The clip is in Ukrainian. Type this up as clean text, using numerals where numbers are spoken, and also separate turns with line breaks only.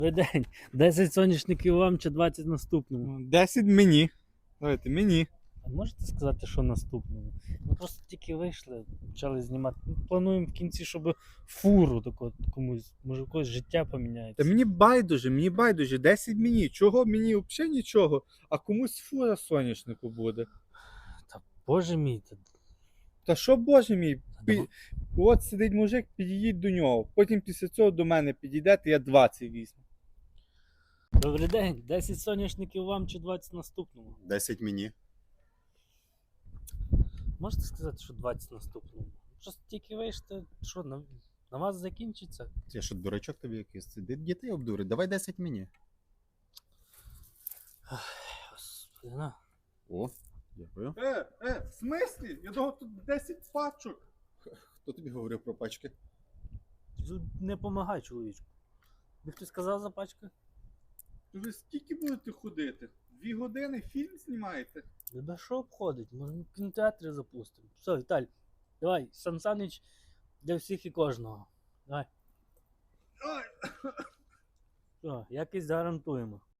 Добрий день. 10 соняшників вам чи 20 наступному?
10 мені. Давайте мені.
А можете сказати, що наступному? Ми просто тільки вийшли, почали знімати. Ми плануємо в кінці, щоб фуру таку комусь, може, в когось життя поміняється.
Та мені байдуже, 10 мені. Чого мені взагалі нічого, а комусь фура соняшнику буде.
Та боже мій,
Та що, боже мій,
давай.
от сидить мужик, підійдіть до нього. Потім після цього до мене підійдете, я 20 візьму.
Добрий день. 10 соняшників вам чи 20 наступному?
10 мені.
Можете сказати, що 20 наступному? Просто тільки вийшли, що на вас закінчиться?
Я що, дурачок тобі якийсь? Дітей обдурить. Давай 10 мені.
Господи, на.
О, дякую.
В смислі? Я думав, тут 10 пачок.
Хто тобі говорив про пачки?
Не помагай, чоловічку. Ви хтось сказав за пачку?
Ви скільки будете ходити? 2 години фільм знімаєте?
Тебе що обходить? Може в кінотеатрі запустимо. Все, Віталій, давай, Сан Санич для всіх і кожного. Давай.
Ой.
Все, якість гарантуємо.